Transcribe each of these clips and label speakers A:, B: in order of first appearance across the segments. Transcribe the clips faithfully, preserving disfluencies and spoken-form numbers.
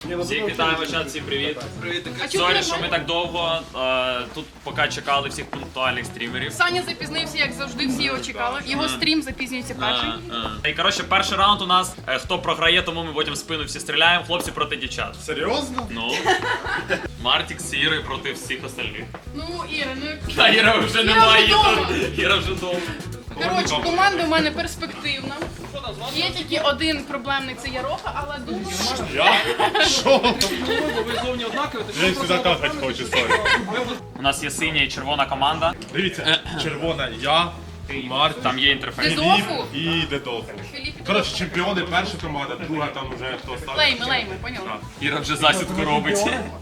A: Всіх вітаємо, чат, всім привіт.
B: Привіт.
A: Сорі, що ми так довго е, тут поки чекали всіх пунктуальних стрімерів.
C: Саня запізнився, як завжди, всі його чекали. Його стрім запізнюється перший.
A: Е, е. І коротше, перший раунд у нас, е, хто програє, тому ми потім в спину всі стріляємо. Хлопці проти дівчат.
B: Серйозно?
A: Ну. Мартік з Ірою проти всіх остальних.
C: Ну, Іра, ну...
A: Та Іра вже
C: Іра
A: немає,
C: вже дома.
A: тут. Іра вже вдома.
C: Коротше, команда у мене перспективна. Є тільки один проблемник, це Яроха, але думаю...
B: Я? Що?
D: Ви зовні однакові, то
B: Я сюди какать хочу, сорі.
A: У нас є синя і червона команда.
B: Дивіться, червона я, Март,
A: Там є інтерфейс.
C: Дезофу?
B: і Дедофу.
C: Філіп,
B: Коротше, чемпіони перша команда, друга там вже хто став.
C: лейми, лейми, поняла?
A: Іра вже засідку робить.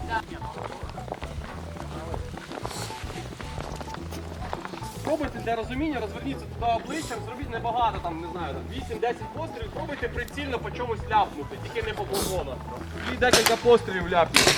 D: Пробуйте для розуміння, розверніться туди обличчям, зробіть небагато, там, не знаю, вісім-десять пострілів, пробуйте прицільно по чомусь ляпнути, тільки не по плазонах. І декілька пострілів ляпніть.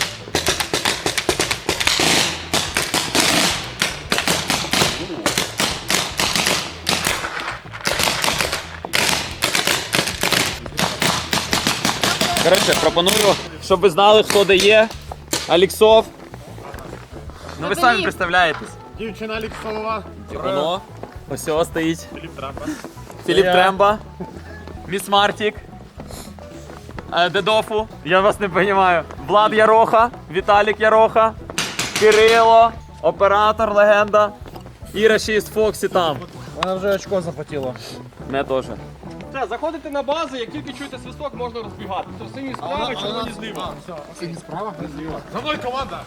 A: Коротше, пропоную, щоб ви знали, хто де є. Аліксов. Ну ви самі представляєтесь.
B: Дівчина Аліксова.
A: Воно. Ось ось стоїть.
B: Філіп Трампа.
A: Філіп Тремба. Міс Мартік. Е, Дедофу. Я вас не розумію. Влад Яроха. Віталік Яроха. Кирило. Оператор, легенда. Іра шість Фоксі там.
E: Вона вже очко захотіла.
A: Мене теж.
D: Все, заходите на базу, як тільки чуєте свисток, можна розбігати. Хто синій справа, червоні зліва.
E: Сині справа, зліва.
B: За мною команда.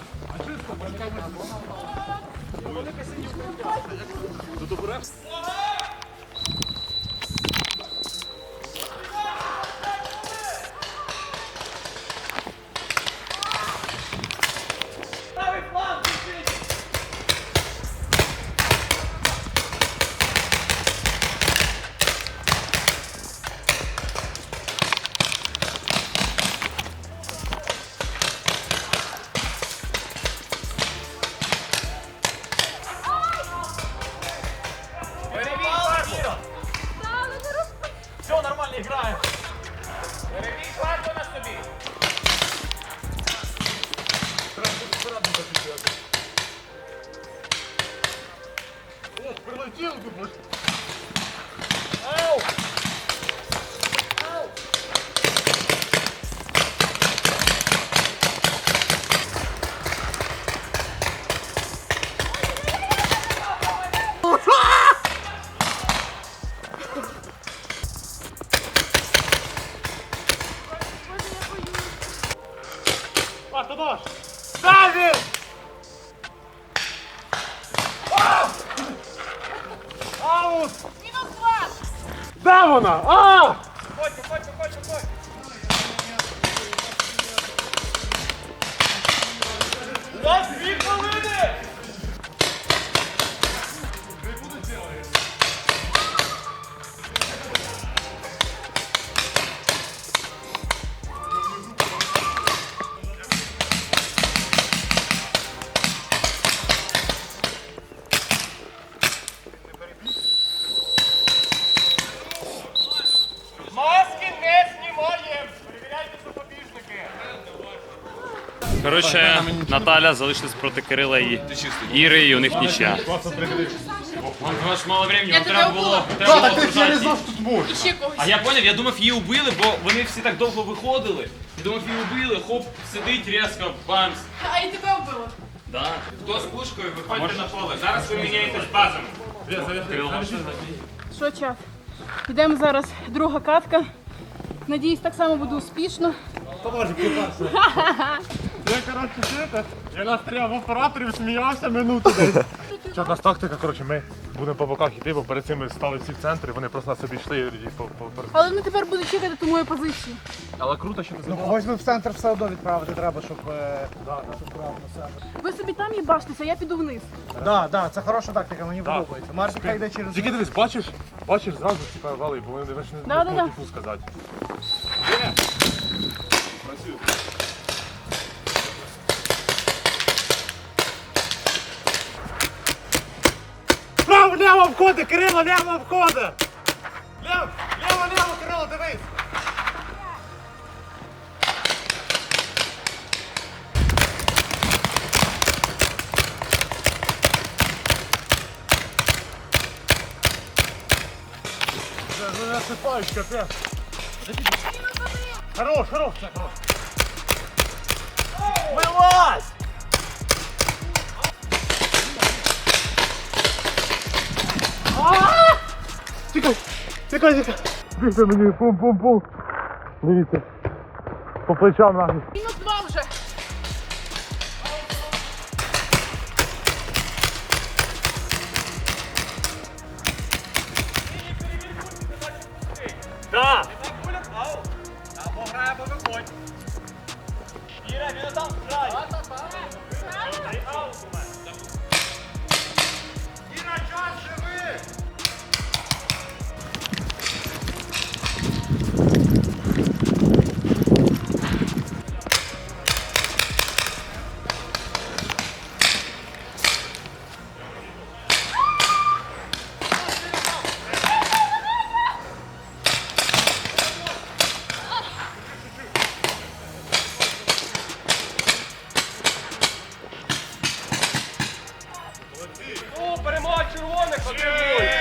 A: Все, нормально граємо. Перевій фарбу на собі.
B: Прилетів тут. А, хто даш? Давид! Аут!
C: Мінус два!
B: Де вона? А!
D: Ходьте, ходьте, ходьте, ходьте. У вас дві хвилини! Маски не знімаємо! Перевіряйте запобіжники!
A: Коротше, Наталя залишилась проти Кирила і Іри, і у них нічия. У вас мало времени,
C: Я
A: вам
C: тебе
A: треба було,
C: вбила.
A: треба було
B: Так, я не
A: окружати.
B: знав, що тут можна.
C: І ще когось.
A: А я поняв, я думав, її убили, бо вони всі так довго виходили. Я думав, її убили, хоп, сидить різко, бамс.
C: А і тебе вбило.
A: Да. Хто з пушкою, виходьте на поле. Зараз ви міняєтесь базами. Кирило, можна?
C: Що, чат? Йдемо зараз друга катка. Надіюсь, так само буде успішно.
B: Я, коротше, чуєте, я настріляв в операторів, сміявся минуту десь. Що, у нас тактика, коротше, ми будемо по боках йти, бо перед цим ми стали всі в центрі, вони просто на собі йшли і по, по, по...
C: Але вони тепер будуть чекати ту мою позицію.
B: Але круто, що ти
E: Ну когось би в центр все одно відправити треба, щоб, е, да, щоб брав на себе.
C: Ви собі там їбаштеся, а я піду вниз.
E: Да, да, це хороша тактика, мені подобається. Мартика йде через...
B: Тільки дивись, бачиш, бачиш зразу, типа, вали, бо вони ж не
C: Да, да, да.
B: можуть типу сказати. Працює. Право, ліво входи, Кирило, ліво входи! Ліво, ліво, ліво, Кирило, дивись! Засипаєш, капець. Хорош, хорош, все, хорош.
A: Вилазь!
B: Тікай, тікай, тікай. Бігте мені, пум-пум-пум. Дивіться. По плечам нахуй.
C: Мінус два вже.
A: Да! Або грає, або виходь. Іра, він там грає. Іра, час живи!
D: О, перемога червоних, отримуй!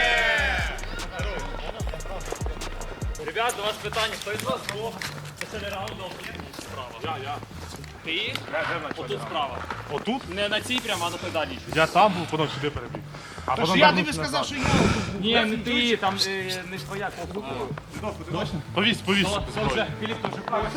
A: Ребят, до вас питання, хто із вас двох? Це не раундом, справа. Я, я. Ти? Отут справа.
B: Отут?
A: Не на цій прямо, а на той дальній.
B: Я там був, потім сюди перебіг. А
E: Тож
B: потім
E: я
B: вернувся
E: тобі сказав,
B: назад.
E: що я.
A: Ні, не ти, там е, не твоя кнопка.
B: Повісь, повісь.
A: Філіп дуже правильно.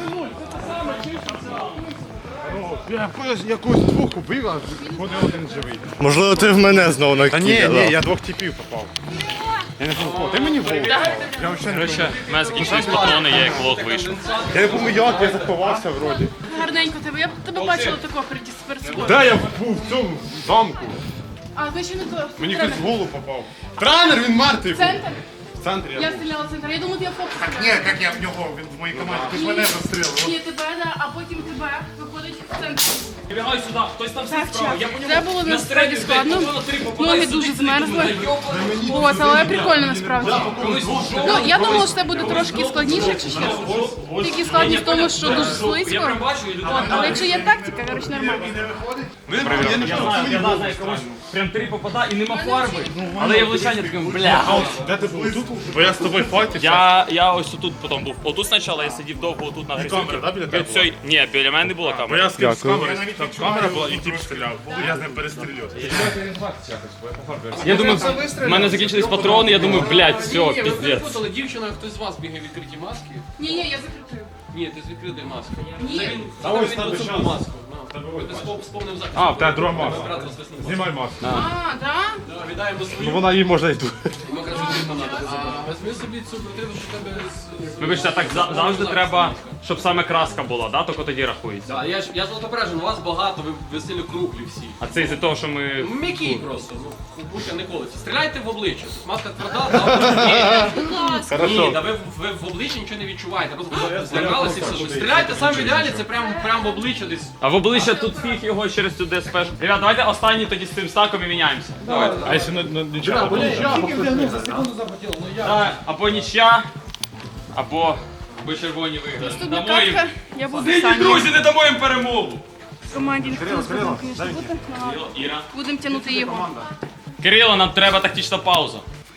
E: Я якусь, якусь двох убив, а ходив один живий.
F: Можливо, ти в мене знову на
B: Та ні, ні, я двох типів попав. Я не знаю, ти мені в голову попав. Я взагалі не
A: Коротше, в мене закінчились патрони, я як лох вийшов.
B: Я не пам'ятаю, як я заховався вроді.
C: Гарненько тебе. Я б тебе бачила такого перед перед собою.
B: Де я був в цьому замку?
C: А ви ще не то.
B: Мені хтось в голову попав. Тренер, він мертвий. був.
C: Центр?
B: В центрі я
C: Я
B: був.
C: стріляла в центр. Я думаю, ти я фокус.
E: Ні, як я в нього, він в моїй команді. Ти ж мене застрілив.
C: Ні, тебе, да, а потім тебе виходить в центр.
A: Прибігай сюди, хтось там
C: Так,
A: сидить справа. Я
C: час.
A: по
C: Це
A: ньому
C: було
A: на
C: насправді
A: стрельбі,
C: складно.
A: блядь, на три попадаю,
C: Ноги
A: сидить,
C: дуже
A: сидить,
C: змерзли.
A: думаю, йобаний.
C: От, але прикольно насправді. Ну, я думала, що це буде трошки складніше, якщо чесно. Тільки складність в тому, що дуже
A: Я
C: слизько.
A: прям бачу, і людина.
C: От, але якщо є тактика, коротше, нормально.
A: Я знаю, я знаю, комусь прям три попадає і нема фарби. Але я влучання таким, бля.
B: Де ти був? Тут? Бо я з тобою файтився.
A: Я, я ось тут потім був. Отут спочатку я сидів довго отут на гризюці.
B: камера, да, біля тебе була?
A: Ні, біля мене не було
B: Бо
A: камери.
B: я з ким з камери, там камера була і тип стріляв. Я з ним перестрілював.
A: Я думаю, в мене закінчились патрони, я думаю, блядь, все,
D: Ні, ви
A: піздець.
D: перепутали, дівчина, хтось з вас бігає в відкритій маски.
C: Ні, ні, я закритую.
D: Ні, ти з відкритої маски.
C: Ні.
D: Це він, це там він оцю маску. Ну, Ти спов- сповнив захист.
B: А, в тебе друга маска.
D: Брат розвеснув маску.
B: Знімай маску.
C: А, да?
D: Да, Віддаємо
B: Ну
D: свою.
B: вона їй можна йти.
D: Ми кажемо, що не треба. Візьми собі цю квартиру, що в тебе з...
A: Вибачте, так за- завжди треба, щоб саме краска була, да? Тільки тоді рахується.
D: Да, я ж я золотопережен, у вас багато, ви веселі круглі всі.
A: А це із-за того, що ми.
D: М'які просто, ну, буча не колиться. Стріляйте в обличчя. Маска тверда, да,
C: Будь ласка.
D: ні, да ви, ви в обличчя нічого не відчуваєте, просто злякалися і все. Що стріляйте саме в ідеалі, це прямо прям в обличчя десь.
A: А в обличчя тут фіг його через цю ДСП. Ребят, давайте останній тоді з цим стаком і міняємося. Давайте.
B: А якщо на- на нічого?
A: Да, або нічя, або, або червоні виграли.
C: Наступна
A: Дамо їм.
C: катка, я буду
A: Сині,
C: Сані.
A: друзі, не дамо їм перемогу.
C: В команді ніхто не сказав, звісно, бути.
A: Кирило, Іра.
C: Будемо тягнути його.
A: Кирило, нам треба тактична пауза.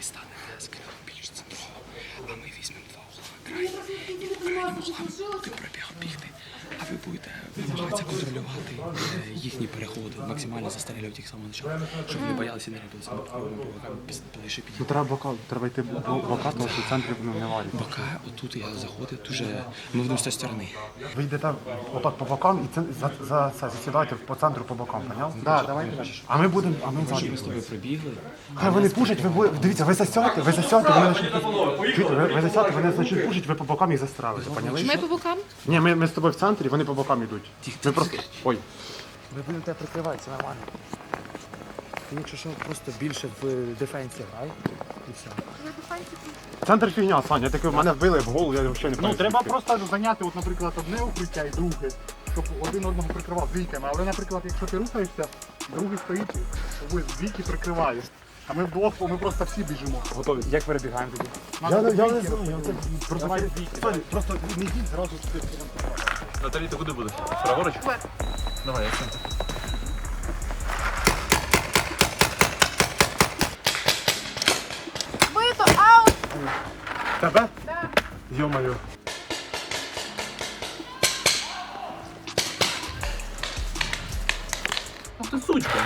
G: А ви будете намагатися контролювати е, їхні переходи, максимально застрелювати їх з самого початку, щоб вони боялися і не рядилися. Ми пробуємо по бокам ближче підійти.
B: Треба бока, треба йти бока, тому що в центрі не варить.
G: Поки отут я заходив, дуже ми будемо з тієї сторони.
E: Ви йдете отак по бокам і це, за, за це засідаєте по центру по бокам, поняв? Так, давайте. А ми будемо, а ми ззаді.
G: Ми з тобою прибігли.
E: Хай вони пушать, ви будете, дивіться, ви засяте, ви засяте, вони почнуть, чуєте, ви, ви засяте, вони почнуть пушить, ви по бокам їх застрелите, поняли?
C: Ми по бокам?
E: Ні, ми, ми з тобою в центрі, вони по бокам йдуть. Ми просто, ой. Ви будете прикривати, це нормально. Ти якщо що, просто більше в дефенсі грай, і все. Центр фігня, Саня, таке в мене вбили в голову, я взагалі не
H: Ну, треба просто зайняти, от, наприклад, одне укриття і друге, щоб один одного прикривав двійками. Але, наприклад, якщо ти рухаєшся, другий стоїть, то ви двійки прикриваєш. А ми вдвох, ми просто всі біжимо.
E: Готові. Як перебігаємо тоді?
H: Надо
E: Я, не- я не
H: двійки.
E: знаю, я це просто, Саня, просто не йдіть зразу сюди.
B: Наталі, ти куди будеш? Праворуч? Давай, я в центр.
C: Бито, аут!
E: Тебе?
C: Да.
B: Ё-моё.
A: Ах ти сучка.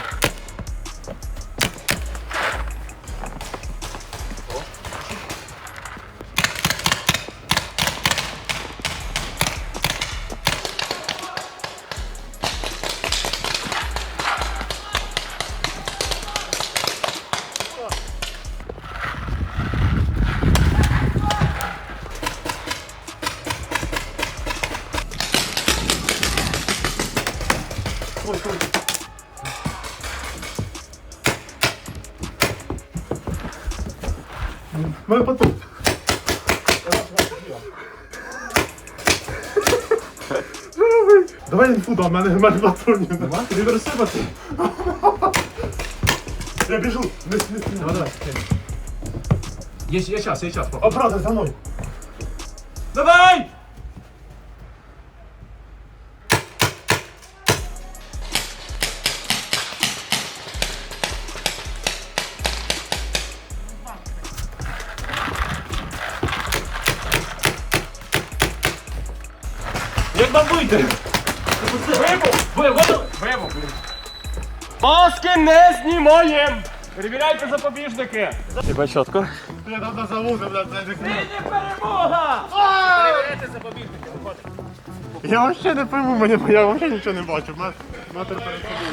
B: У мене патрон. Давай інфу, да, в мене, в мене патронів нема. Тобі розсипати? Я біжу. Не, не, не. Давай, давай.
E: Є, є час, є час.
B: О, брате, за мною.
A: Давай!
B: Як нам вийти?
D: Маски не знімаємо! Перевіряйте запобіжники!
A: Тебе чітко.
B: Я давно завозив, блядь, це не
A: Перемога!
B: Я вообще не пойму, мені, я вообще нічого не бачу. Ма- Матер перед собою.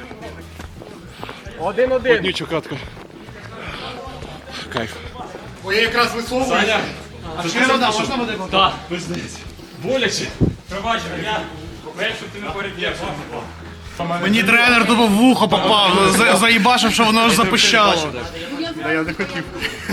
D: Один-один.
B: Однючу катку. Кайф.
H: Ой, я якраз висовуюся. А ще вода, можна води?
A: Так, боляче. Пробач, я боюсь, щоб ти не переб'єш.
H: Мені тренер тупо в вухо попав, за- заїбашив, що воно аж запищало.
B: Та я не хотів.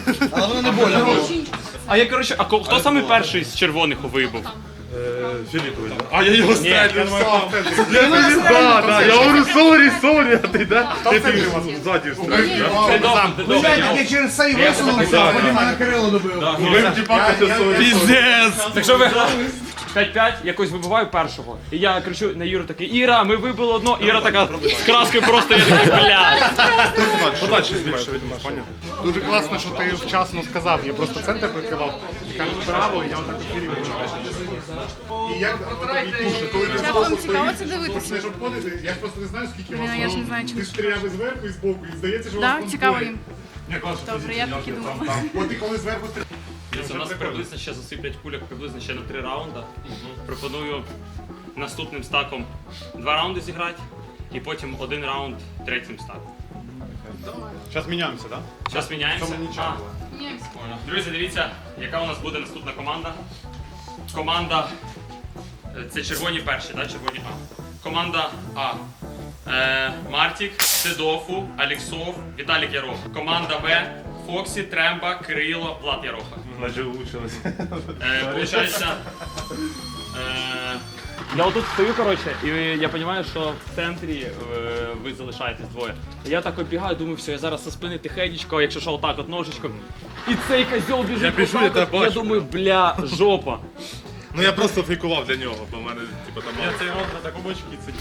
A: А я, коротше, а ко- хто самий перший з червоних вибув?
B: Філіпович. А я його стрельнув. Я не да, да, я говорю, сорі, сорі, а ти, да? Ти ти ззаді стрельнув.
A: Ти добре, ти добре.
H: Я через цей висунувся, потім мене Кирило добив.
B: Ви тіпака сорі.
H: Піздець!
A: Так що ви п'ять-п'ять, якось вибиваю першого. І я кричу на Іру такий, Іра, ми вибили одно. Іра така з краскою просто, я такий, бля.
B: Подальше більше від нас, поняв?
H: Дуже класно, що ти вчасно сказав. Я просто центр прикривав. Кажу право, і я отак ефірі вичуваю. І як пушить, коли ти
C: Як вам цікаво це дивитися?
H: почнеш обходити, я просто не знаю, скільки
C: Блін,
H: вас.
C: а я ж не знаю,
H: Ти
C: чому.
H: стріляв і зверху, і збоку, і здається, що у вас
C: Так,
H: там
C: цікаво
H: двоє.
C: їм.
B: Ні, класно.
C: Добре, я так і думала.
H: От і коли зверху стріляв.
A: Дивіться, у нас приблизно ще засиплять кульок приблизно ще на три раунди. Пропоную наступним стаком два раунди зіграти і потім один раунд третім стаком.
B: Зараз міняємося, так?
A: Зараз міняємося.
B: нічого.
A: А, друзі, дивіться, яка у нас буде наступна команда. Команда. е, Це червоні перші, так? Червоні А. Команда А. Е, Мартік, Дедофу, Аліксов, Віталік Ярох. Команда Б. Фоксі, Тремба, Кирило, Влад Яроха.
B: Наче влучилось.
A: Е, Получається. Е, я отут стою, коротше, і я розумію, що в центрі е, ви залишаєтесь двоє. Я так оббігаю, думаю, все, я зараз со спини тихенечко, якщо що, отак от ножичком. І цей козьол біжить.
B: Я біжу,
A: отак
B: я
A: от,
B: тебе бачу,
A: думаю, бля, жопа.
B: Ну я просто фейкував для нього, бо в мене, типу, там... Я цей рот на такому очки сидів.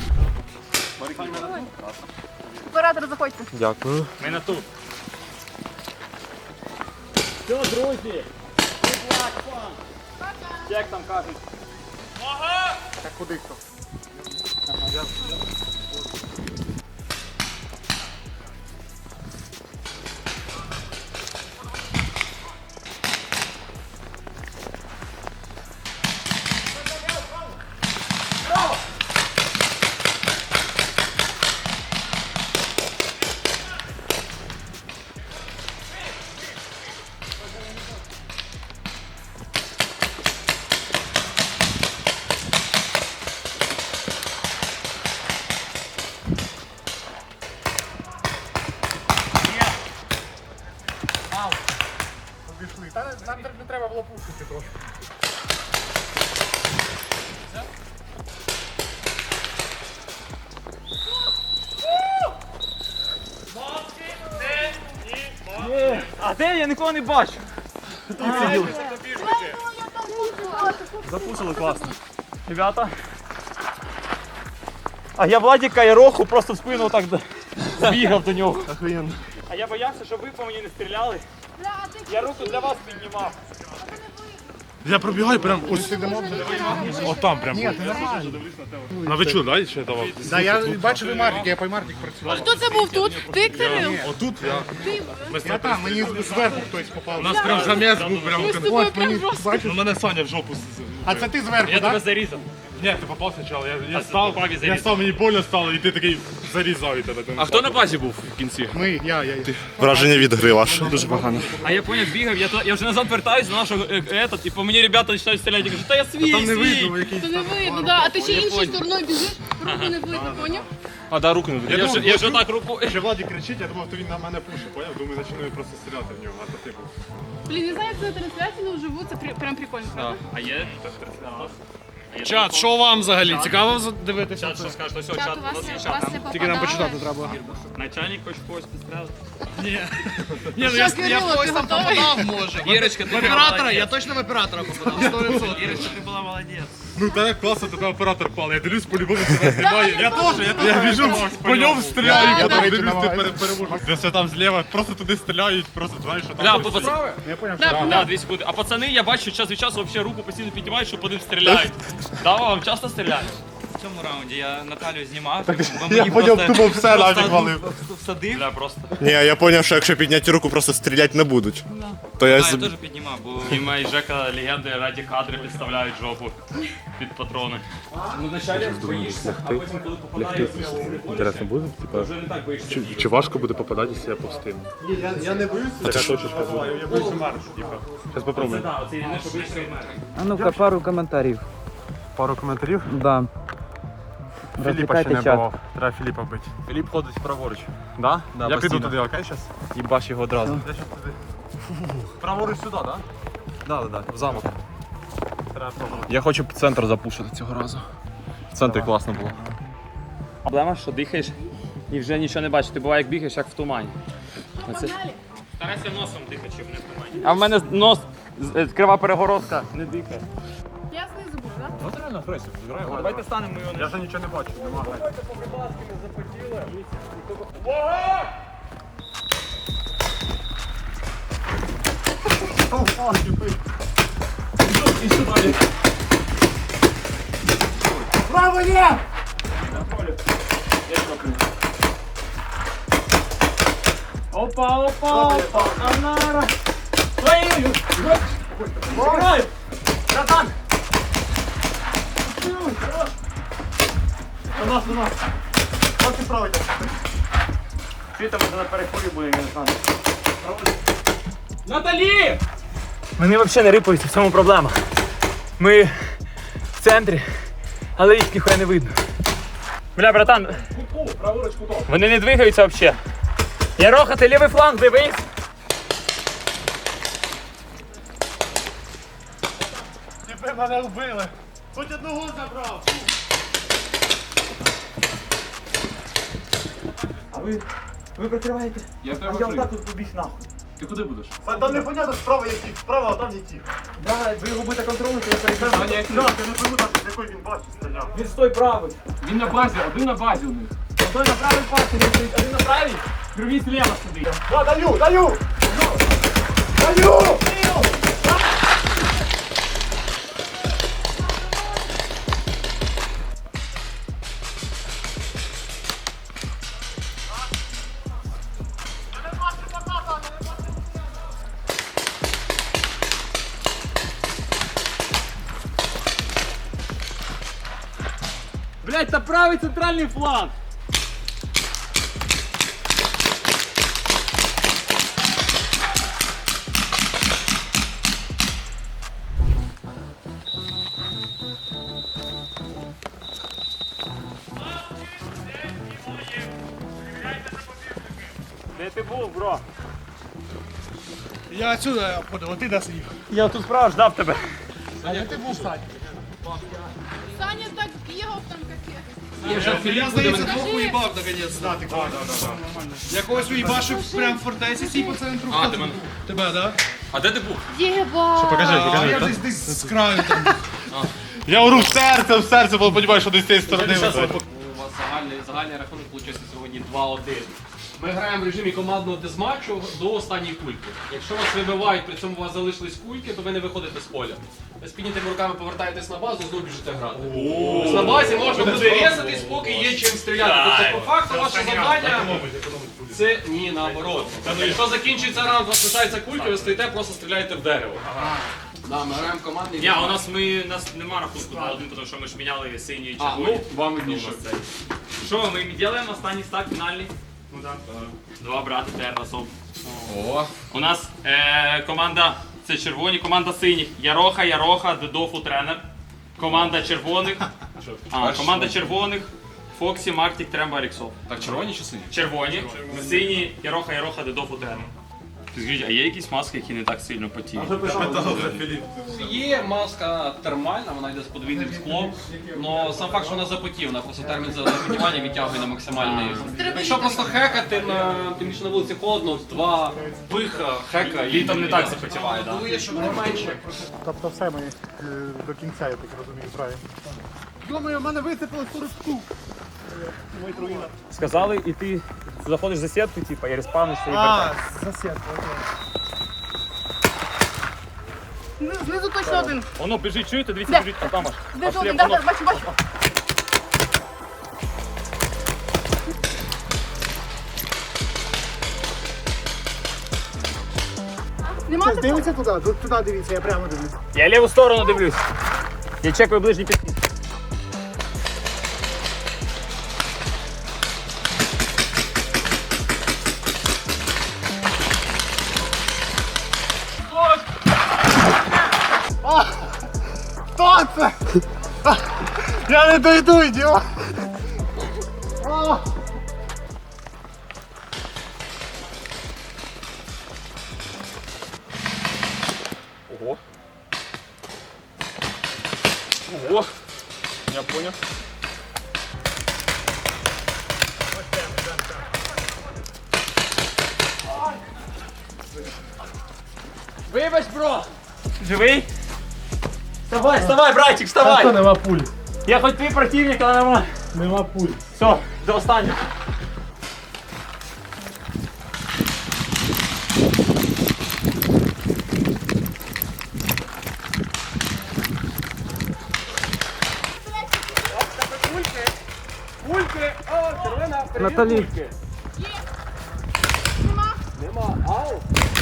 C: Оператор, заходьте.
A: Ми на тут. Все, друзі. Як там кажуть?
H: Так куди хто? Обійшли. Та не- нам не треба було пушити трошки.
A: А де? Я нікого не бачу.
B: Запушили класно.
A: Ребята. А я Владіка і Роху просто в спину так збігав до нього.
B: Охуєнно.
A: А я боявся, щоб ви по мені не стріляли. Я руку для вас піднімав.
B: Я пробігаю прям ось.
H: Сидимо вже.
B: От там прям.
H: Ні, ти нормально.
B: На вечу, дай ще давав.
H: Да, я бачив і Мартик, я по Мартик працював.
C: Хто це був тут? Ти, Кирил?
B: Отут я. Ми
H: Я там, мені зверху хтось попав.
B: У нас прям заміс був прям.
C: Ми з тобою прям
H: Мені,
C: жорстко.
H: бачиш?
B: Ну мене Саня в жопу.
H: А це ти зверху, так?
A: зарізав.
B: Ні, ти попав спочатку. Я, я став, я став, мені больно стало, і ти такий зарізав і тебе.
A: А хто на базі був в кінці?
H: Ми, я, я. я.
B: Враження від гри ваше. Дуже погано.
A: А я поняв, бігав, я, то- я вже назад вертаюсь до нашого е, этот, і по мені ребята починають стріляти, я кажу, та я свій,
B: Там не
A: свій.
B: видно, який.
C: Це не видно, да. А ти ще іншою стороною біжиш, руку не видно, поняв?
B: А, да, руку не видно.
A: Я вже, я вже так руку...
B: Ще Владі кричить, я думав, то він на мене пушить, поняв? Думаю, починаю просто стріляти в нього, а то ти був.
C: Блін, не знаю, як це на трансляції, але вживу, це при- прям прикольно, правда?
A: А є?
D: Чат, що вам взагалі? Цікаво дивитися?
A: Чат, що скажеш? Ось,
C: Чат,
A: чат,
C: у
A: у
C: вас,
A: нас є
C: у
A: чат.
C: вас не
D: Тільки нам почитати
C: попадали.
D: треба.
A: Начальник хоч когось підстрелив.
D: Ні, ну я,
C: Що,
D: я
C: Кирило,
D: в когось
C: ти
D: там
C: готовий?
D: попадав, може.
A: Ірочка, ти
D: В оператора,
A: молодець.
D: я точно в оператора попадав, сто відсотків.
A: Ірочка, ти була молодець.
B: Ну так класно, тебе оператор пали. Я дивлюсь, по-любому тебе знімає.
C: я
B: теж, я теж. Я біжу, по ньому стріляю,
C: Да,
B: я
C: да.
B: там дивлюсь, ти пере- переможеш. Де все там зліва, просто туди стріляють, просто знаєш, що там.
A: Бля,
B: щось-
A: пацани,
H: Я поняв,
C: Да,
A: да, дві секунди. А пацани, я бачу, час від часу вообще руку постійно піднімають, що по ним стріляють. Да, вам часто стріляють?
F: В цьому раунді я Наталю знімав.
B: Я поняв, тупо все нафіг валив.
F: Всадив.
A: Бля, просто.
I: Ні, я зрозумів, що якщо підняти руку, просто стріляти не будуть. То я
F: А,
I: з-
F: я теж піднімав, бо
A: Діма і Жека легенди раді кадри підставляють жопу під патрони. Ну, вначалі боїшся, а потім, коли попадаєш,
B: Інтересно буде? Типа,
A: вже не так боїшся.
B: чи, чи важко буде попадати, якщо я повстину? Ні, я, я не боюся. Така точечка буде. Я боюся маршу, типа. Зараз
A: Це
B: попробуємо.
A: да, оце єдине, що боїшся від мене.
J: А ну-ка, пару коментарів.
B: Пару коментарів.
J: Да.
B: Філіпа ще
J: Розвітайте
B: не
J: чат.
B: бував. Треба Філіпа бити.
A: Філіп ходить праворуч.
B: Да?
A: Да,
B: я піду
A: постійно.
B: туди, окей, зараз?
A: Їбаш його одразу.
B: Я щас туди. Праворуч сюди, да?
A: Да, да, да, в замок.
B: Треба пробувати.
A: Я хочу центр запушити цього разу. В центрі класно було. Проблема, що дихаєш і вже нічого не бачиш. Ти буває, як бігаєш, як в тумані. Оце- Старайся носом дихати, щоб не в тумані. А в мене нос, з- е, крива перегородка, не дихає.
C: Я знизу буду, так?
B: Ну, реально, Фресі, зіграємо.
A: Давайте станемо його.
B: Я вже нічого не бачу, нема гайки.
H: Право є!
A: Опа, опа, опа, Анара! Твою! Играй! Братан!
H: У нас, у нас. Ось і право йде.
A: Чи там на переході буде, я не знаю. Наталі! Вони взагалі не рипаються, в цьому проблема. Ми в центрі, але їх ніхуя не видно. Бля, братан, вони не двигаються взагалі. Яроха, ти лівий фланг, дивись.
B: Тепер мене вбили. Хоч одного забрав.
A: Ви прикриваєте?
B: Я
A: А я отак тут побіг нахуй.
B: Ти куди будеш?
H: Там непонятно, справа які, справа, а там які.
A: Да, ви його будете контролювати, я перекажу.
H: Я не пойму, там, з якої він бачить стріляв.
A: Він стой правий.
D: Він на базі, один на базі у них.
A: Стой на правий пасі, він стоїть. Один на правій, другий зліва сидить.
H: Да, даю, даю! Даю!
A: Блять, це правий центральний фланг. Де ти був, бро?
H: Я отсюда подав, а ти де сидів?
A: Я тут справа ждав тебе.
H: А де ти був, Сань?
C: Саня так бігав там капець.
D: Я вже Філіп
H: здається,
C: двох
D: уїбав наконець.
H: Да, ти да, да,
D: Я когось уїбашив прям в фортеці цій по центру.
A: А, ти мене.
D: Тебе, да?
A: А де ти був?
C: Єба!
B: Покажи,
D: А
B: покажи.
D: я десь десь з краю там.
B: Я ору в серце, в серце, бо розумію, що десь з цієї сторони.
A: Зараз
B: летить.
A: у вас загальний, загальний рахунок вийшов сьогодні два один.
D: Ми граємо в режимі командного дезматчу до останньої кульки. Якщо вас вибивають, при цьому у вас залишились кульки, то ви не виходите з поля. Ви з піднятими руками повертаєтесь на базу і знову біжите грати. Тобто на базі можна буде різатись, поки є чим стріляти. Тобто по факту ваше завдання це ні, наоборот. Тобто, якщо закінчується раунд, у вас лишається кулька, ви стоїте, просто стріляєте в дерево. Да, ми граємо командний
F: Ні, у нас ми у нас нема рахунку два один, тому що ми ж міняли сині і
D: А,
F: червоні.
D: ну, вам видніше.
F: Що, ми робимо останній стак фінальний? Ну так. Два брати тепер разом.
D: О,
F: У нас е, команда, це червоні, команда синіх. Яроха, Яроха, Дедофу тренер. Команда червоних. А, команда червоних. Фоксі, Мартік, Тремба, Аліксов.
D: так червоні чи сині?
F: Червоні, сині, Яроха, Яроха, Дедофу тренер. Ти скажіть, а є якісь маски, які не так сильно потіють?
D: Є маска термальна, вона йде з подвійним склом, але сам факт, що вона запотів, вона просто термін запотівання відтягує на максимальний. Якщо просто хекати, на, тим більше на вулиці холодно, два пиха, хека, літом не так запотіває. Да. Щоб не менше.
H: Тобто все ми е, до кінця, я так розумію, правильно. Думаю, в мене висипалось сорок штук. Мой труїна.
A: Сказали, і ти заходиш за сітку, типу, і респавнишся і
H: А,
A: вертаєшся.
H: за сітку, окей.
C: Знизу- Знизу точно один.
A: Воно біжить, чуєте? Дивіться,
C: Де?
A: біжить, а там аж.
C: Знизу
A: Пошли,
C: один, да,
A: воно.
C: да, бачу, бачу. Нема
H: Щас,
C: такого?
H: дивіться туди, тут- туди дивіться, я прямо дивлюсь.
A: Я ліву сторону дивлюсь. Я чекаю ближній підхід.
H: Хто це? Я не дойду, ідіот! А!
A: Ого. Ого. Я понял.
D: Вибач, бро!
A: Живий? Вставай, вставай, братик, вставай!
H: нема пуль.
A: Я хоч твій противник, але нема.
H: Нема пуль.
A: Все, до останнього.
D: Кульки! О, червона,
A: Наталі.
D: кульки.
C: Нема.
D: Нема, ау!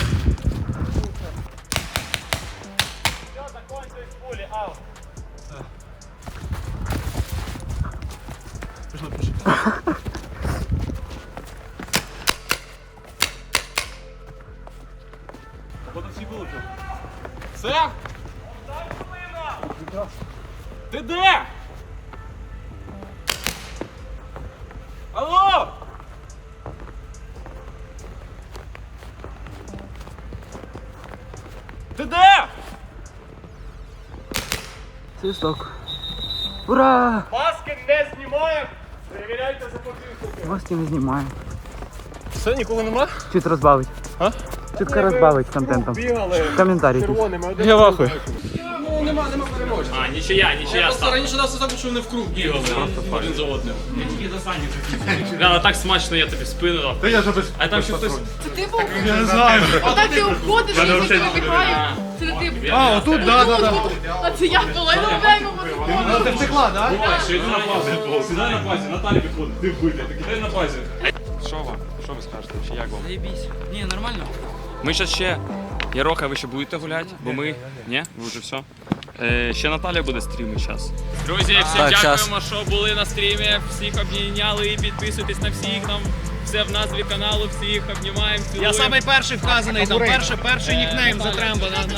A: Все? Ти де? Алло! Ти де?
E: Свисток. Ура!
D: Маски не знімаємо! Перевіряйте за подивку.
E: Гості не знімаємо.
B: Все, ніколи нема?
E: Чуть розбавить.
B: А?
E: Чутка розбавить контентом.
D: Бігали
E: Коментарі.
D: червоними. Один
B: Я вахую.
D: Ну, нема, нема переможця.
F: А, нічия, нічия.
D: Я просто раніше нас так, що вони в круг бігали один за одним.
F: Я тільки за Саню хотів. Да, так смачно, я тобі спину дав.
B: Та я ж без...
F: А там ще хтось...
C: Це ти був?
B: Я не знаю.
C: Отак ти обходиш, і
F: Мене
C: хтось
F: взагалі
C: вибігає. Це не ти був.
B: А, отут, да, да, да.
C: А це я була, я не знаю,
B: Ти втекла, да?
F: Що йди на базі, сідай на базі, Наталі підходить, ти вбити, сідай на базі. Що вам? Що ви скажете? Чи як вам?
G: Заєбісь. Ні, нормально.
F: Ми зараз ще, Яроха, ви ще будете гуляти, бо ми, ні, ви вже все. Е, ще Наталя буде стріми зараз. Друзі, всім
G: Так,
F: дякуємо, що були на стрімі, всіх обійняли і підписуйтесь на всіх, там все в назві каналу, всіх обнімаємо, цілуємо.
D: Я самий перший вказаний, там перший, перший нікнейм за Тремба.